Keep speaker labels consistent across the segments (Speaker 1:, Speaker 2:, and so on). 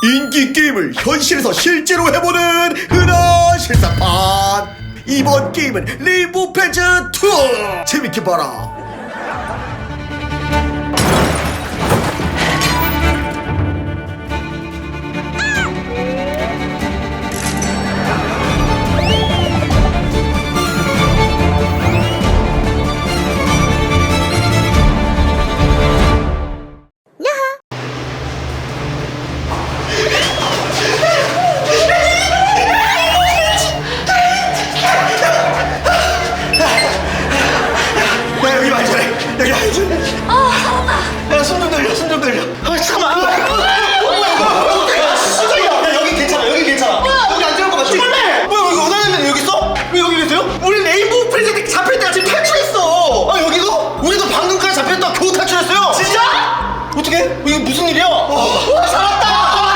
Speaker 1: 인기 게임을 현실에서 실제로 해보는 흔한 실사판. 이번 게임은 레인보우 프렌즈 2. 재밌게 봐라.
Speaker 2: 어떻게? 이게 무슨 일이야? 살았다!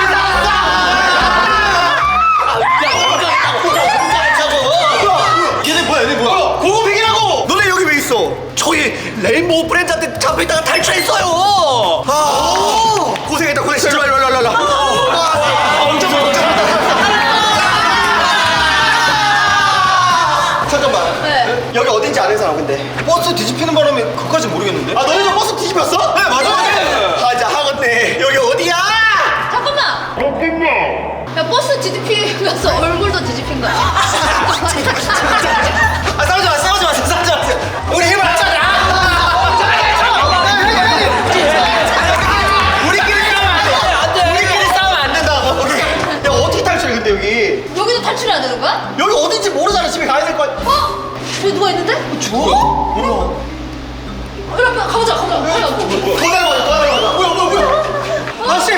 Speaker 2: 얘네 뭐야, 얘네 뭐야? 고고백이라고! 너네 여기 왜 있어? 저희 레인보우 프렌즈한테 잡혀있다가 탈출했어요! 고생했다, 고생했어. 일로 엄청 잠깐만.
Speaker 3: 네.
Speaker 2: 여기 어딘지 아는 사람 근데? 버스 뒤집히는 바람에 그까지 모르겠는데? 아, 너네도 버스 뒤집혔어? 네, 맞아. 하자 하겠네. 여기 어디야?
Speaker 3: 잠깐만! 야, 버스 뒤집히면서 얼굴도 뒤집힌 거야.
Speaker 2: 아, 싸우지 마. 우리 힘을 합쳐자. 우리끼리 싸우면 안 된다고. 야, 어떻게 탈출해 근데 여기?
Speaker 3: 여기도 탈출해야 되는 거야?
Speaker 2: 여기 어딘지 모르잖아. 집에 가야 될 거 아니야.
Speaker 3: 어? 저기 누가 있는데?
Speaker 2: 죽어? 뭐야?
Speaker 3: 그래, 가보자.
Speaker 2: 뭐야? 아저씨,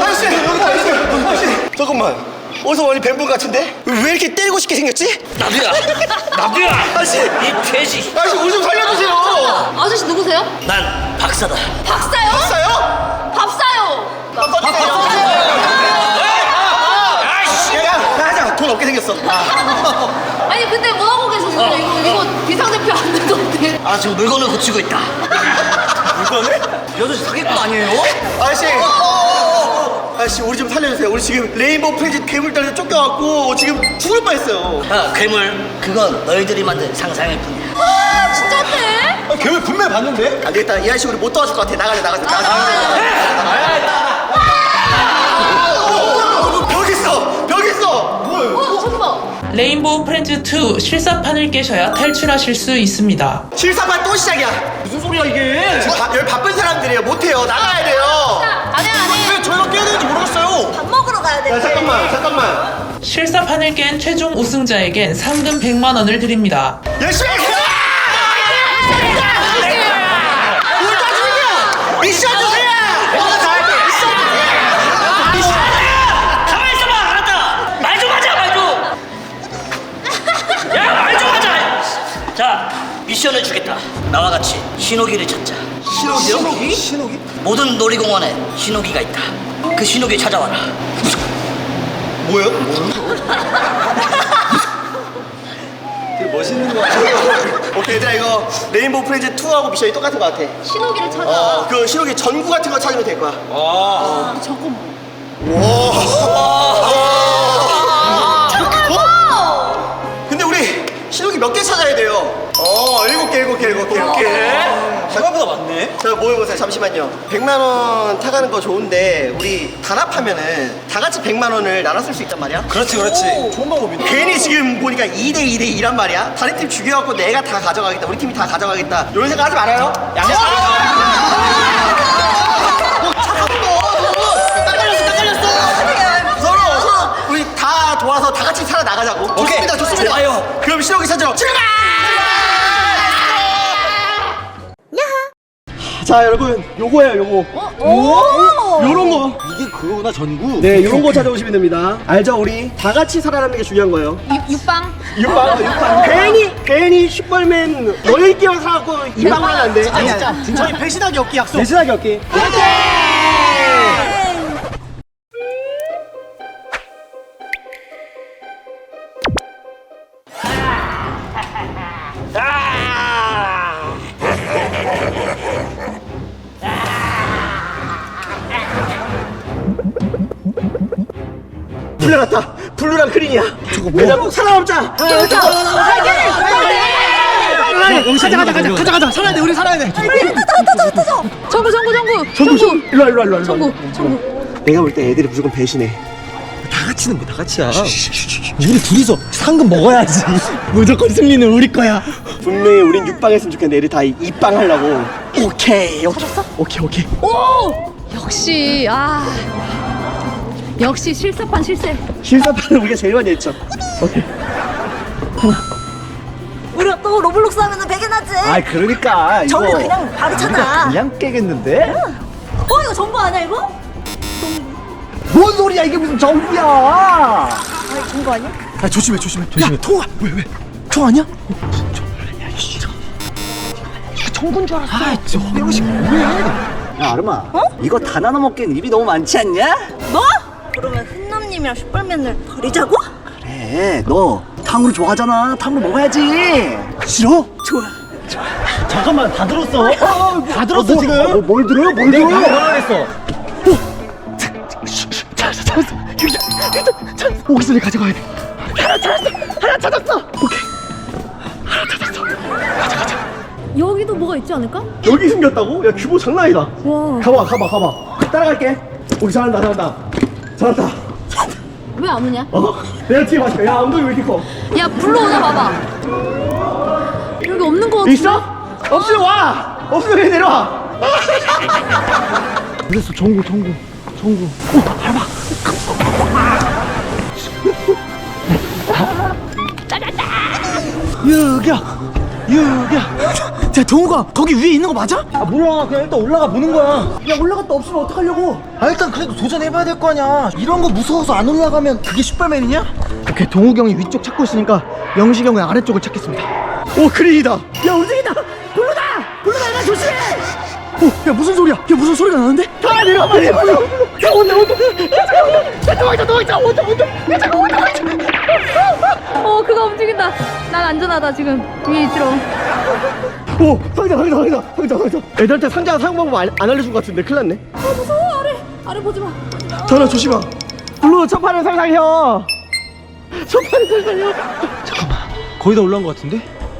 Speaker 2: 잠깐만. 어디서 많이 뵌 분 같은데? 왜 이렇게 때리고 싶게 생겼지?
Speaker 4: 나비야!
Speaker 2: 아저씨,
Speaker 4: 이 돼지!
Speaker 2: 아저씨 우리 좀 살려주세요.
Speaker 3: 아저씨 누구세요?
Speaker 4: 난 박사다.
Speaker 3: 박사요?
Speaker 2: 봤어요?
Speaker 3: 밥사요!
Speaker 4: 아이씨!
Speaker 2: 야, 하자. 돈 없게 생겼어.
Speaker 3: 아니, 근데 뭐하고 계셨어요? 이거 비상대표 안 되던데.
Speaker 4: 아, 지금 물건을 고치고 있다.
Speaker 2: 물건을?
Speaker 4: 여자 사기꾼 아니에요?
Speaker 2: 아저씨 우리 좀 살려주세요. 우리 지금 레인보우 프렌즈 괴물들한테 쫓겨갖고 지금 죽을 뻔했어요.
Speaker 4: 야, 괴물. 그건 너희들이 만든 상상일 뿐이야.
Speaker 3: 아, 진짜네?
Speaker 2: 괴물 분명히 봤는데? 안 되겠다. 이 아저씨 우리 못 도와줄 것 같아. 나가자. 벽 있어. 뭐야?
Speaker 3: 잠깐만.
Speaker 5: 레인보우 프렌즈 2 실사판을 깨셔야 탈출하실 수 있습니다.
Speaker 2: 실사판 또 시작이야. 무슨 소리야 이게? 지금 여기 바쁜 사람들이에요. 못해요. 나가야 돼요.
Speaker 3: 안 해.
Speaker 2: 왜 저희가 깨야 되는지 모르겠어요.
Speaker 3: 밥 먹으러 가야 돼.
Speaker 2: 야, 잠깐만.
Speaker 5: 실사판을 깬 최종 우승자에겐 상금 100만 원을 드립니다.
Speaker 2: 열심히 해! 미션 주세요!
Speaker 4: 가만히 있어봐! 알았다! 말 좀 하자! 야, 말 좀 하자! 자, 미션을 주겠다. 나와 같이 신호기를 찾자.
Speaker 2: 신호기?
Speaker 4: 모든 놀이공원에 신호기가 있다. 그 신호기 찾아와라.
Speaker 2: 뭐요? 되게 멋있는 거 같아. 오케이, 얘들아 이거 레인보우 프렌즈 2하고 미션이 똑같은 거 같아.
Speaker 3: 신호기를 찾아.
Speaker 2: 그 신호기 전구 같은 거 찾으면 될 거야.
Speaker 3: 잠깐만.
Speaker 2: 근데 우리 신호기 몇 개 찾아야 돼요? 7개. 생각보다 많네. 자, 모여보세요. 잠시만요. 100만 원 타가는 거 좋은데 우리 단합하면은 다 같이 100만 원을 나눠 쓸 수 있단 말이야.
Speaker 6: 그렇지. 좋은 방법이네.
Speaker 2: 괜히 지금 보니까 2대 2란 말이야. 다른 팀 죽여갖고 내가 다 가져가겠다. 우리 팀이 다 가져가겠다. 이런 생각 하지 말아요. 양심. 서로 우리 다 도와서 다 같이 살아나가자고. 좋습니다.
Speaker 4: 좋아요.
Speaker 2: 그럼 신호기 찾으러 출발! 자, 여러분, 요거예요, 요거. 요런 거.
Speaker 6: 이게 그거구나, 전구.
Speaker 2: 네, 요런 거 찾아오시면 됩니다. 알죠? 우리 다 같이 살아남는 게 중요한 거예요.
Speaker 3: 육방?
Speaker 2: 육방. 괜히 슈퍼맨 너희끼리 사갖고 이방을 하면 안 돼.
Speaker 6: 진짜. 저희 배신하기 없기 약속.
Speaker 2: 배신하기 없기. 풀려났다. 블루랑 그린이야. 저거 뭐? 얘들아 꼭 살아남자.
Speaker 6: 가자. 살아야 돼. 우리 살아야 돼.
Speaker 3: 정구.
Speaker 2: 내가 볼 때 애들이 무조건 배신해.
Speaker 6: 다 같이는 뭐 다 같이야. 우리 둘이서 상금 먹어야지. 무조건 승리는 우리 거야.
Speaker 2: 분명히 우린 6방 했으면 좋겠는데 애들 다 2방 하려고. 오케이. 오케이.
Speaker 3: 오! 역시 실사판 실세.
Speaker 2: 실사판은 우리가 제일 많이 했죠. 오케이.
Speaker 7: 우리가 또 로블록스 하면은 배겨나지.
Speaker 6: 아 그러니까 이거
Speaker 7: 정보 그냥 바로 찾아.
Speaker 6: 그냥 깨겠는데?
Speaker 7: 이거 정보 아니야 이거?
Speaker 6: 뭔 소리야 이게 무슨 정부야?
Speaker 7: 아 정보 아니야?
Speaker 6: 아 조심해. 통화 왜? 통화냐? 정군 줄 알았어. 아, 저 허영식 왜? 야 아름아, 이거 다 나눠 먹기엔 입이 너무 많지 않냐?
Speaker 7: 뭐? 그러면 훈남님이랑 슈퍼맨을 버리자고?
Speaker 6: 그래, 너 탕후루 좋아하잖아. 탕후루 먹어야지. 싫어? 좋아. 잠깐만, 다 들었어. 다 들었어 지금. 뭘 들어요? 뭘 들어요? 내가 뭐라 그랬어? 찾았어. 오기스를 가져가야 돼. 하나 찾았어. 오케이.
Speaker 3: 여기도 뭐가 있지 않을까?
Speaker 2: 여기 숨겼다고? 야 규모 장난 아니다.
Speaker 3: 와.
Speaker 2: 가봐. 따라갈게. 우리 잘한다.
Speaker 3: 왜 안 오냐?
Speaker 2: 내가 뒤에 맞을게. 야 엉덩이 왜 이렇게 커?
Speaker 3: 야 불러오나 봐봐. 여기 없는 거 같은데?
Speaker 2: 있어? 없으면 와. 없으면 그냥 내려와.
Speaker 6: 그랬어. 정구. 유기야. 자, 동우가 거기 위에 있는 거 맞아? 아 몰라. 그냥 일단 올라가 보는 거야. 야 올라갔다 없으면 어떡하려고? 아 일단 그래도 도전해봐야 될 거 아니야. 이런 거 무서워서 안 올라가면 그게 슈퍼맨이냐? 오케이, 동욱이 형이 위쪽 찾고 있으니까 영식이 형은 아래쪽을 찾겠습니다.
Speaker 2: 오 그린이다.
Speaker 6: 야 움직인다. 블루다. 야 조심해. 야 무슨 소리야? 야 무슨 소리가 나는데?
Speaker 2: 다 내려와 빨리.
Speaker 6: 야 온다.
Speaker 3: 그거 움직인다. 난 안전하다 지금. 위에 있으러.
Speaker 2: 오 상자. 애들한테 상자 사용 방법 안 알려준 것 같은데 큰일 났네.
Speaker 3: 무서워 아래 보지 마.
Speaker 2: 전화 조심하. 블루 첫 판을 살살려.
Speaker 6: 잠깐만. 거의 다 올라온 것 같은데?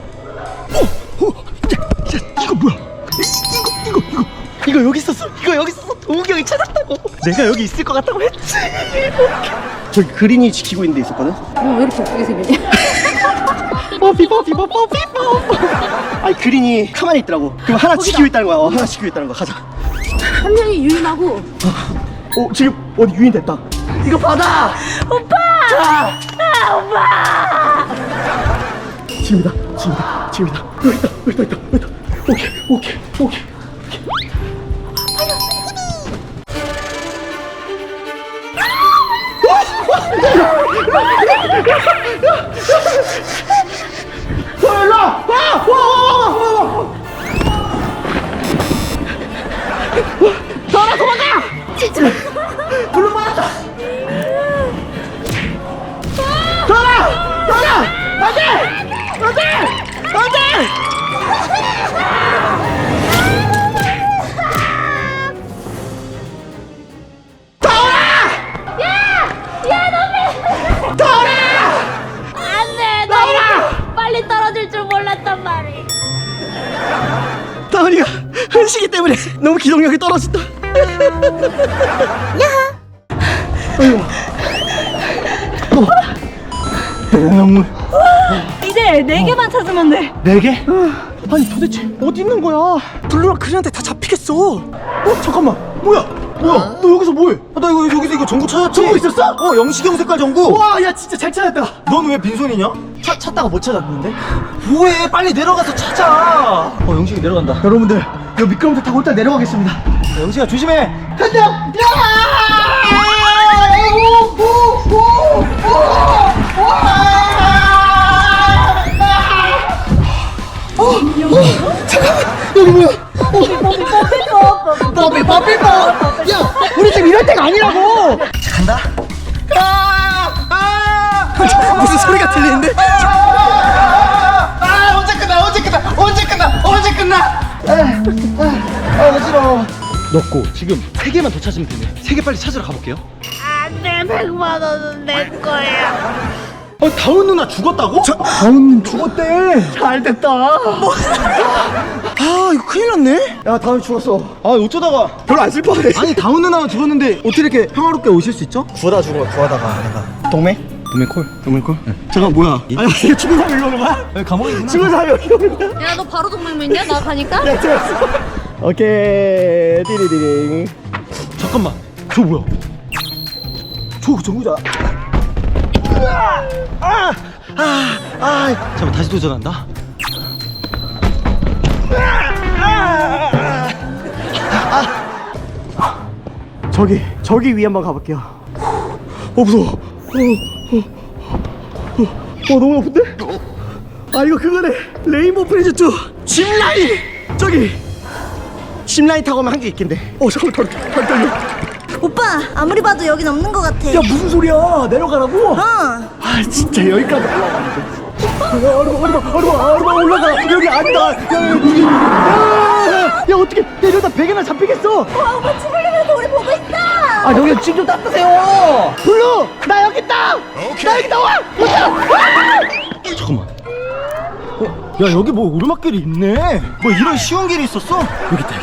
Speaker 6: 이거 뭐야? 이거 여기 있었어. 동욱이 형이 찾았다고. 내가 여기 있을 것 같다고 했지.
Speaker 2: 저기 그린이 지키고 있는 데 있었거든.
Speaker 3: 왜 이렇게 웃기게 생겼냐?
Speaker 2: 뽀삐. 아니 그린이 가만히 있더라고. 그럼 하나 지키고 있다는 거야. 하나 지키고 있다는 거야. 가자.
Speaker 3: 한 명이 유인하고.
Speaker 2: 지금 어디 유인 됐다. 이거 받아.
Speaker 7: 오빠!
Speaker 2: 지금이다. 여기 있다. 오케이.
Speaker 3: 안돼. 너무 빨리 떨어질 줄 몰랐단 말이.
Speaker 2: 다은이가 흔시기 때문에 너무 기동력이 떨어진다.
Speaker 7: 이제 4개만 찾으면 돼.
Speaker 6: 4개? 아니 도대체 어디 있는 거야? 블루랑 그린한테 다 잡히겠어. 잠깐만. 뭐야? 너 여기서 뭐해? 나 여기서 전구 찾았지?
Speaker 2: 전구 있었어?
Speaker 6: 영식이 형 색깔 전구.
Speaker 2: 와, 야 진짜 잘 찾았다.
Speaker 6: 넌 왜 빈손이냐? 찾다가 못 찾았는데? 뭐해? 빨리 내려가서 찾아. 영식이 내려간다.
Speaker 2: 여러분들, 이 미끄럼틀 타고 일단 내려가겠습니다.
Speaker 6: 영식아 조심해.
Speaker 2: 간다. 여기 뭐야? 뽀삐. 야, 우리 지금 이럴 때가 아니라고.
Speaker 6: 간다.
Speaker 2: 무슨 소리가 들리는데? 언제 끝나?
Speaker 6: 어지러워. 넣고 지금 3개만 더 찾으면 되네. 3개 빨리 찾으러 가볼게요.
Speaker 7: 안 돼. 내 100만 원은 내 거야.
Speaker 6: 다운 누나 죽었다고? 다운님 죽었대. 잘 됐다. 뭐? 아 이거 큰일 났네. 야 다운 죽었어. 아 어쩌다가 별로 안 슬퍼하네. 아니 다운 누나가 죽었는데 어떻게 이렇게 평화롭게 오실 수 있죠? 구하다 죽은 거야. 구하다가 내가 동맹 콜. 잠깐 뭐야? 아니 이거 죽은 사람 일로 오는 거야? 여기 감옥이구나. 죽은 사람이 여기 오는 거야?
Speaker 3: 야 너 바로 동맹 맺냐? 나 가니까?
Speaker 6: 야 들었어. 오케이 띠리디링. 잠깐만 저 뭐야? 저 정우자. 잠깐만 다시 도전한다. 저기 위에 한번 가볼게요. 무서워. 너무 높은데? 이거 그거네. 레인보우 프렌즈 2 짚라인. 저기 짚라인 타고 하면 한 개 있겠네. 잠깐만 덜 떨려.
Speaker 7: 오빠 아무리 봐도 여긴 없는 것 같아.
Speaker 6: 야 무슨 소리야? 내려가라고? 진짜 여기까지 올라가. 올라가. 여기 아니다. 야 어떻게? 야 이러다 베개나 잡히겠어.
Speaker 7: 오빠 죽으려면 우리 보고 있다.
Speaker 6: 여기 짐 좀 닦으세요. 블루 나 여기 있다. 나 여기 나와. 잠깐만. 야 여기 뭐 오르막길이 있네. 뭐 이런 쉬운 길이 있었어? 여기 있다.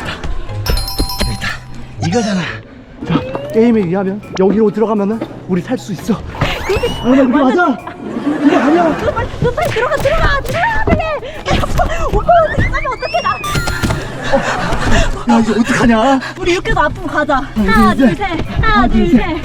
Speaker 6: 이거잖아. 자 게임에 의하면 여기로 들어가면은 우리 살 수 있어. 여기 맞아. 이거 아니야.
Speaker 7: 빨리 들어가 빨리. 오빠 어디 가면 어떡해 나.
Speaker 6: 야 이제 어떡하냐?
Speaker 7: 우리 육개도 아프면 가자. 하나 둘 셋. 하나 둘 셋.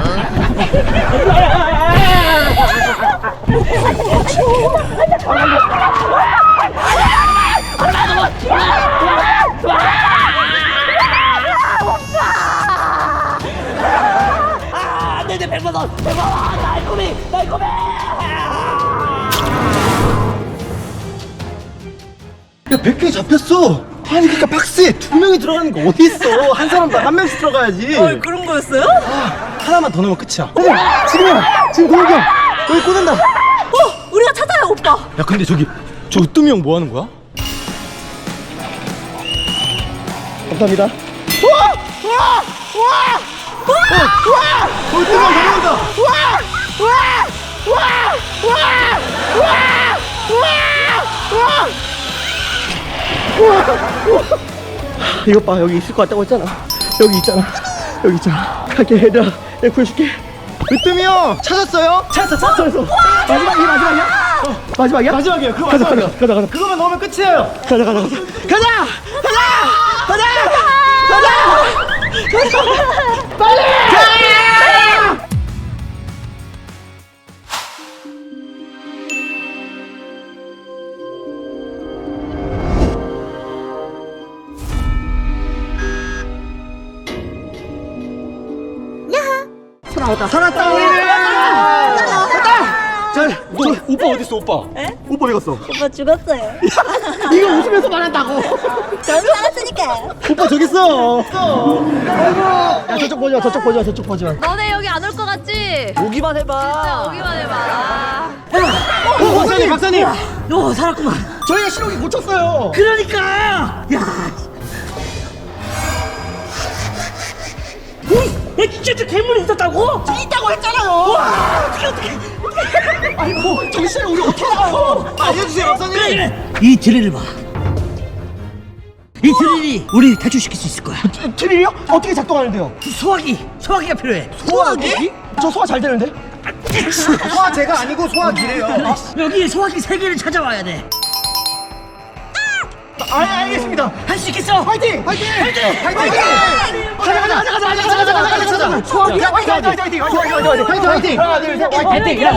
Speaker 4: 내 100만 원, 날고미.
Speaker 6: 야 100개 잡혔어. 아니 그니까 박스에 2명이 들어가는 거 어디 있어? 한 사람당 한 명씩 들어가야지.
Speaker 7: 그런 거였어요?
Speaker 6: 하나만 더 넣으면 끝이야. 지금이야. 지금 동욱이 형 여기 꽂는다.
Speaker 7: 우리가 찾아요 오빠.
Speaker 6: 야 근데 저 으뜸이 형 뭐 하는 거야? 감사합니다. 으뜸이 형 달려온다. 이것 봐 여기 있을 것 같다고 했잖아. 여기 있잖아. 갈게 얘들아. 내가 구해줄게. 으뜸이 형 찾았어요? 찾았어. 마지막이야? 마지막이야? 마지막이야. 그거 마지막이야. 가자. 그거만 넣으면 끝이에요. 가자. 빨리! 살았다 우리는. 자, 오빠 어디 있어? 오빠 어디 갔어?
Speaker 7: 오빠 죽었어요.
Speaker 6: 이거 웃으면서 말한다고.
Speaker 7: 저는 살았으니까.
Speaker 6: 오빠 저기 있어. 아이고. 야 저쪽 보자.
Speaker 3: 너네 여기 안 올 것 같지?
Speaker 6: 오기만 해봐.
Speaker 3: 진짜 오기만 해봐.
Speaker 6: 박사님.
Speaker 4: 너 살았구만.
Speaker 6: 저희가 신호기 고쳤어요.
Speaker 4: 그러니까. 진짜 괴물이 있었다고?
Speaker 6: 있다고 했잖아요. 어떻게. 아이고 정신을 우리 어떻게 나가요? 알려주세요 박사님.
Speaker 4: 그래. 이 드릴을 봐. 이 드릴이 우리 탈출시킬 수 있을 거야.
Speaker 6: 드릴이요? 어떻게 작동하는데요?
Speaker 4: 소화기가 필요해.
Speaker 6: 소화기? 저 소화 잘 되는데? 소화제가 아니고 소화기래요.
Speaker 4: 여기 소화기 3개를 찾아와야 돼.
Speaker 6: 알겠습니다.
Speaker 4: 할 수 있겠어?
Speaker 6: 화이팅! 가자. 소화기 화이팅! 하나 둘 셋 화이팅!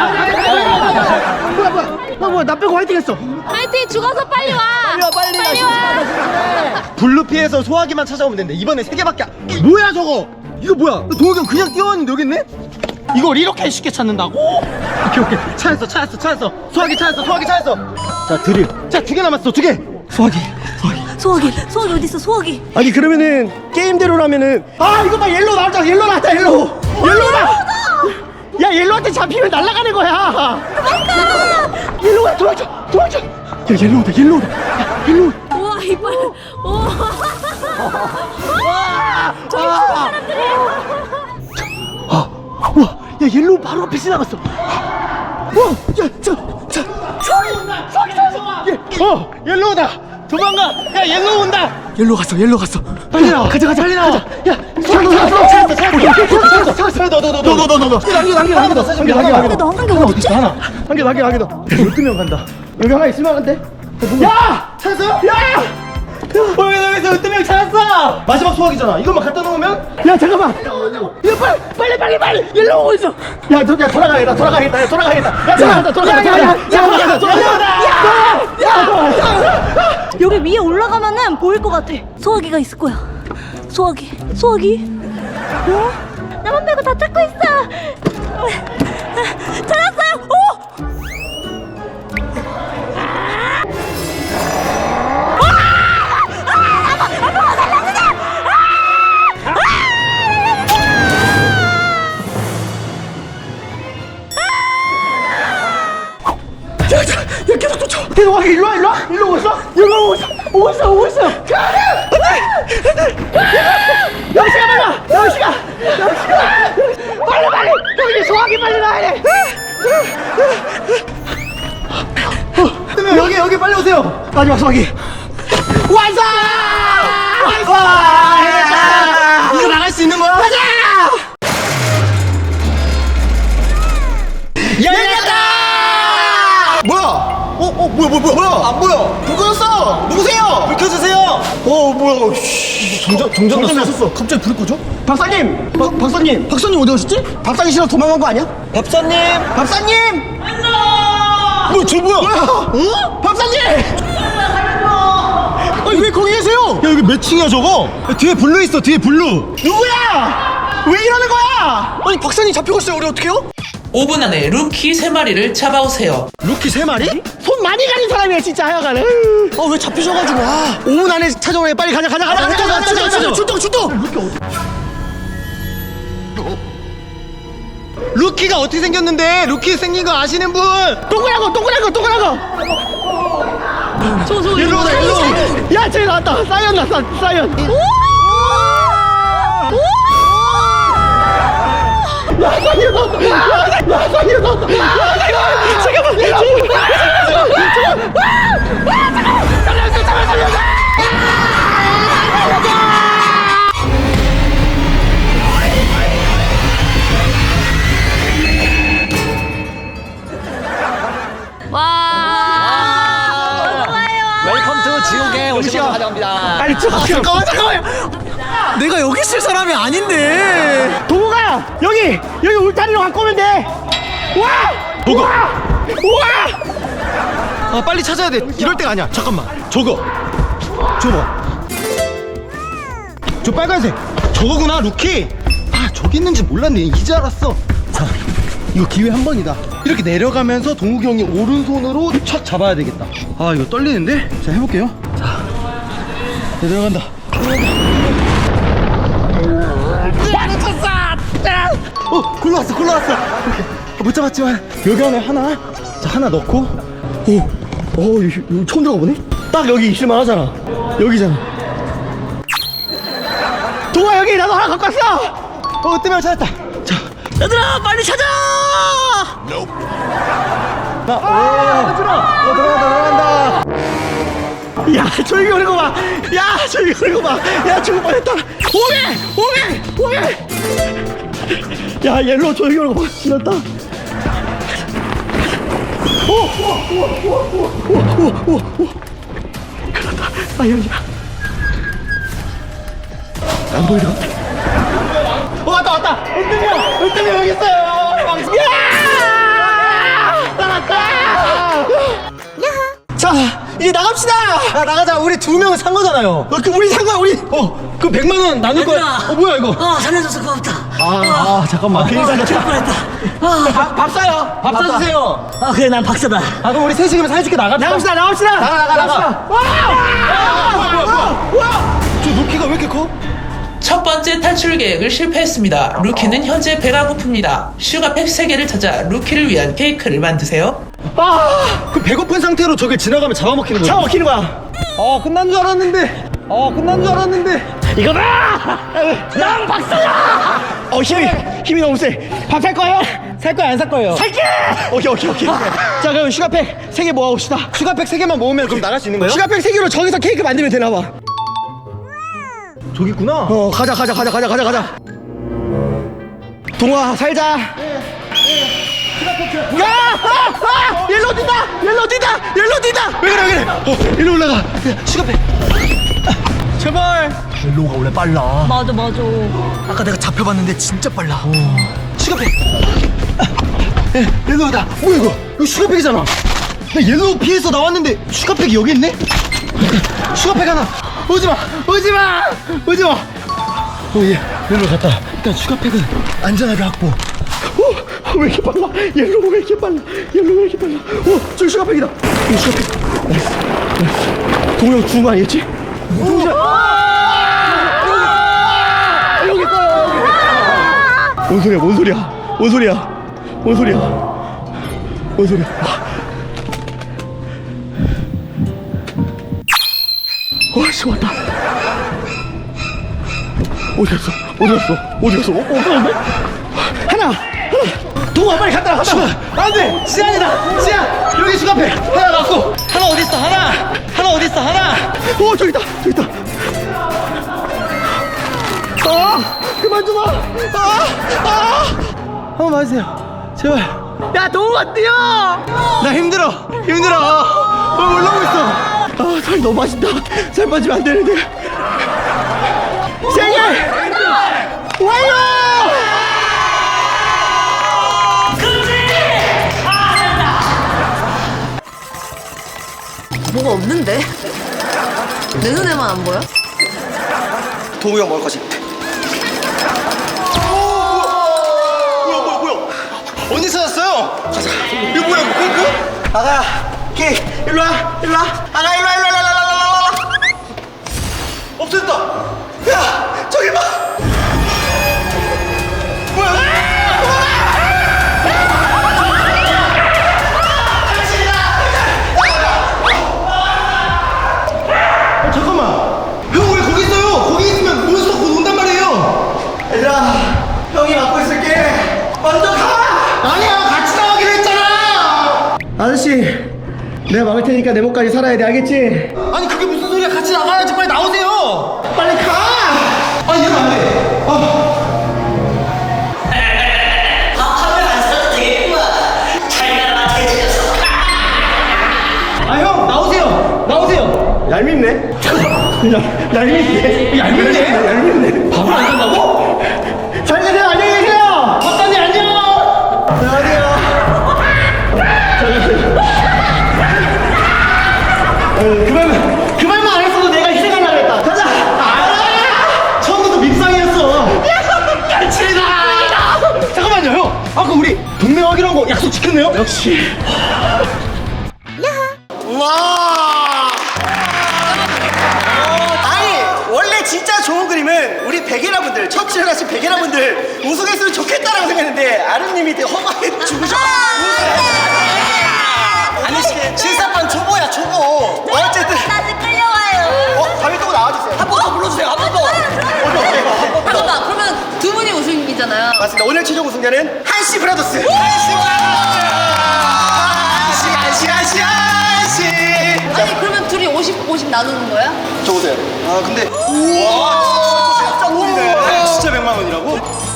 Speaker 6: 뭐야 나 빼고 화이팅 했어.
Speaker 3: 파이팅 죽어서 빨리 와. 빨리 와.
Speaker 6: 블루피에서 소화기만 찾아오면 된대. 이번에 3개밖에 뭐야 저거? 이거 뭐야? 동욱이 형 그냥 뛰어왔는데 여기 있네? 이걸 이렇게 쉽게 찾는다고? 오케이 찾았어. 소화기 찾았어. 자 드릴. 자 2개 남았어. 2개.
Speaker 7: 소화기 어디 있어? 소화기.
Speaker 6: 아니 그러면은 게임대로라면은 이거 봐 옐로우 나왔다. 옐로우다. 야 옐로우한테 잡히면 날아가는 거야. 맞다. 옐로우야 도망쳐. 야 옐로우다. 야 옐로우.
Speaker 3: 우와 이빨. 우와. 저기 사람들이.
Speaker 6: 옐로우 바로 앞에 지나갔어. 옐로우다. 도망가. 야, 옐로우 온다. 옐로우 갔어. 빨리 나와. 가자. 빨리 나와. 야, 찾았어. 너.
Speaker 7: 근데 너 한 개 어딨지?
Speaker 6: 하나. 한 개 더. 12명 간다. 여기 하나 있을만한데? 야! 찾았어요? 야! 여기서 12명 찾았어! 마지막 소화기잖아. 이것만 갖다 놓으면? 야, 잠깐만! 야, 빨리! 옐로우 오고 있어! 야, 돌아가야겠다. 야, 돌아가겠다.
Speaker 7: 여기 위에 올라가면은 보일 것 같아. 소화기가 있을 거야. 소화기. 어? 나만 빼고 다 찾고 있어. 찾았어요. 오!
Speaker 6: 야, 계속 쫓아. 계속 와. 일로 오고 있어. 오고 있어. 영식아, 빨리. 여기 소화기 빨리 나야 돼. 여기 빨리 오세요. 마지막 소화기. 완성! 이거 나갈 수 있는 거야? 가자! 열렸다! 뭐야? 뭐야? 안 보여. 불 꺼졌어. 누구세요? 불 켜주세요. 뭐야? 정전 났어. 갑자기 불이 꺼져? 박사님 어디 가셨지? 밥상이 싫어 도망간 거 아니야? 밥사님. 저 뭐야? 어? 밥사님. 아니 왜 거기 계세요? 야, 여기 몇 층이야 저거? 야, 뒤에 블루 있어. 누구야? 왜 이러는 거야? 아니 박사님 잡혀갔어요. 우리 어떡해요?
Speaker 5: 5분 안에 루키 3마리를 잡아오세요.
Speaker 6: 루키 3마리? 손 많이 가는 사람이야 진짜 하여간에. 왜 잡히셔가지고. 5분 안에 찾아오네. 빨리 가자. 출동. 루키가 어떻게 생겼는데? 루키 생긴 거 아시는 분? 동그라고. 일로 오자. 야, 저기 나왔다. 사이언 났어. 야, 사이언 나왔다. 잠깐만.
Speaker 2: 웰컴 투 지옥에 오신 분 환영합니다.
Speaker 6: 빨리 잠깐만. 내가 여기 있을 사람이 아닌데. 동호가 여기 울타리로 갖고 오면 돼. 와! 빨리 찾아야 돼. 이럴 때가 아니야. 잠깐만. 저거 봐. 저 빨간색. 저거구나, 루키. 저기 있는지 몰랐네. 이제 알았어. 자, 이거 기회 한 번이다. 이렇게 내려가면서 동욱이 형이 오른손으로 착 잡아야 되겠다. 이거 떨리는데? 자, 해볼게요. 자, 내려간다. 굴러왔어. 못 잡았지만 여기 안에 하나. 자, 하나 넣고. 여기 처음 들어가보네? 딱 여기 있을만 하잖아. 여기잖아. 동아, 여기 나도 하나 갖고 왔어. 뜨면 찾았다. 자, 얘들아 빨리 찾아. 들어간다. 야, 저기 오는 거 봐. 야, 죽을 뻔했다. 오게. 야, 옐로우 저기 오는 거 봐. 지났다. 그렇다. 사이언이야. 안 보이려. 왔다. 은등이 여기 있어요. 나갔다. 자, 이제 나갑시다. 나가자. 우리 2명은 산 거잖아요. 우리 산 거야. 우리 그 100만 원 나눌 거야. 뭐야 이거?
Speaker 3: 살려줘서 고맙다.
Speaker 6: 잠깐만. 괜히 살렸다. 밥 사요. 밥 사주세요.
Speaker 3: 그래, 난 박사다.
Speaker 6: 그럼 우리 셋이 그럼 사줄게. 나갑시다. 나가. 저 루키가 왜 이렇게 커?
Speaker 5: 첫 번째 탈출 계획을 실패했습니다. 루키는 현재 배가 고픕니다. 슈가팩 3개를 찾아 루키를 위한 케이크를 만드세요.
Speaker 6: 그 배고픈 상태로 저길 지나가면 잡아먹히는 거야. 끝난 줄 알았는데. 이거다! 난 박사야! 힘이 너무 세. 밥 살 거예요? 살 거야 안 살 거예요? 살게! 오케이. 자 그럼 슈가팩 3개 모아봅시다. 슈가팩 3개만 모으면 그럼 나갈 수 있는 거예요? 슈가팩 3개로 저기서 케이크 만들면 되나 봐. 저기 있구나. 가자. 동아 살자. 옐로우 뛴다. 왜 그래? 일로 올라가. 슈가팩. 제발. 옐로우가 원래 빨라.
Speaker 7: 맞아.
Speaker 6: 아까 내가 잡혀봤는데 진짜 빨라. 슈가팩. 옐로우다. 뭐야 이거? 이거 슈가팩이잖아. 나 옐로우 피해서 나왔는데 슈가팩이 여기 있네? 슈가팩 하나. 오지마. 옐로우 갔다. 일단 슈가팩은 안전하게 확보. 왜 이렇게 빨라? 옐로우 왜 이렇게 빨라? 저기 슈가팩이다. 이거 슈가팩. 나이스. 동영 죽은 거 아니겠지? 동영. 여기 있어. 뭔 소리야? 씨, 왔다. 어디 갔어? 없었는데? 하나. 동아 빨리 갔다 와. 안 돼. 지안이다. 여기 슈가팩 하나 났어. 하나 어디 있어? 하나 어디 있어? 저기 있다. 그만 좀 와. 한번 봐주세요. 제발. 야, 동우가 뛰어! 나 힘들어. 올라오고 있어. 살이 너무 맛있다. 살 빠지면 안 되는데. 생일! 완료!
Speaker 3: 뭐가 없는데? 내 눈에만 안 보여?
Speaker 2: 동우 형 먹을 거지. 뭐야? 어디 찾았어요? 가자. 이거 뭐야? 이거? 아가, 키, 일로 와. 아가, 일로 와. 없어졌다. 야, 저기 봐. 뭐야?
Speaker 6: 잠깐만. 형 왜 거기 있어요? 거기 있으면 몬스터 곧 온단 말이에요.
Speaker 2: 얘들아, 형이 맡고 있을게. 먼저 가.
Speaker 6: 아니야, 같이 나가기로 했잖아. 아저씨, 내가 막을 테니까 내 목까지 살아야 돼, 알겠지? 아니 그게 무슨 소리야? 같이 나가야지. 빨리 나오세요. 빨리 가. 이러면 안 돼.
Speaker 4: 하면 안 써도 되겠구만. 잘 가라 돼지녀석.
Speaker 6: 형 나오세요. 얄밉네. 얄밉네. 밥을 안 산다고? 잘 가세요. 안녕히 계세요. 박사님 안녕. 그말만 안 했어도 내가 희생하려고 했다. 가자. 처음부터 밉상이었어. 깔치다. 잠깐만요, 형. 아까 우리 동맹하기로 한 거 약속 지켰네요. 역시.
Speaker 2: 와. 아니, 원래 진짜 좋은 그림은 우리 백예라분들, 첫 출연하신 백예라분들 우승했으면 좋겠다라고 생각했는데 아름님이 되게 허망해 죽으셔. 아니, 실사판 초보야, 초보. 어쨌든.
Speaker 7: 다시 끌려와요.
Speaker 2: 다음에 또 나와주세요. 한 번 더 불러주세요. 한 번 더.
Speaker 3: 잠깐만, 그러면 두 분이 우승이잖아요.
Speaker 2: 맞습니다. 오늘 최종 우승자는 한씨 브라더스. 한씨.
Speaker 3: 아니, 그러면 둘이 50 나누는 거야?
Speaker 2: 저 보세요. 근데. 와, 진짜 돈이네. 진짜 100만 원이라고?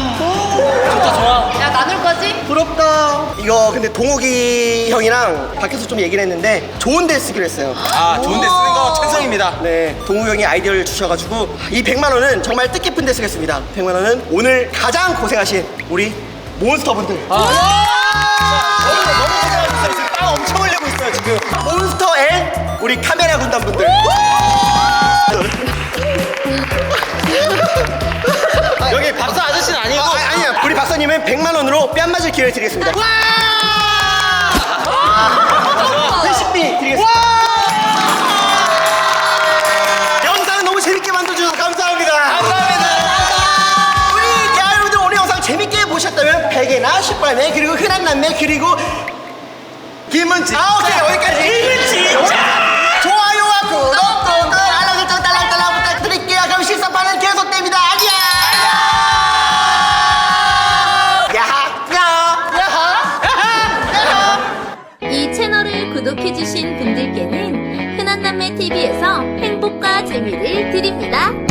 Speaker 3: 야, 나눌 거지?
Speaker 2: 부럽다. 이거 근데 동욱이 형이랑 밖에서 좀 얘기를 했는데 좋은 데 쓰기로 했어요.
Speaker 6: 좋은 데 쓰는 거 찬성입니다.
Speaker 2: 네, 동욱이 형이 아이디어를 주셔가지고 이 100만 원은 정말 뜻깊은 데 쓰겠습니다. 100만 원은 오늘 가장 고생하신 우리 몬스터분들. 너무 고생하셨어요. 지금 땀 엄청 흘리고 있어요 지금. 몬스터 앤 우리 카메라 군단분들.
Speaker 6: 여기 박사 아저씨는 아니고.
Speaker 2: 아니야. 우리 박사님은 100만 원으로 뺨 맞을 기회를 드리겠습니다. 회식비 드리겠습니다. 영상은 너무 재밌게 만들어주셔서 감사합니다. 우리 여러분들 오늘 영상 재밌게 보셨다면 베개나 10발매 그리고 흔한 남매 그리고 김은지. 오케이, 여기까지. 김은지. 좋아요와 구독, 알람 설정 딸랑딸랑 부탁드릴게요. 그럼 실사판은 계속됩니다. 안녕. 야하.
Speaker 8: 구독해주신 분들께는 흔한남매TV에서 행복과 재미를 드립니다.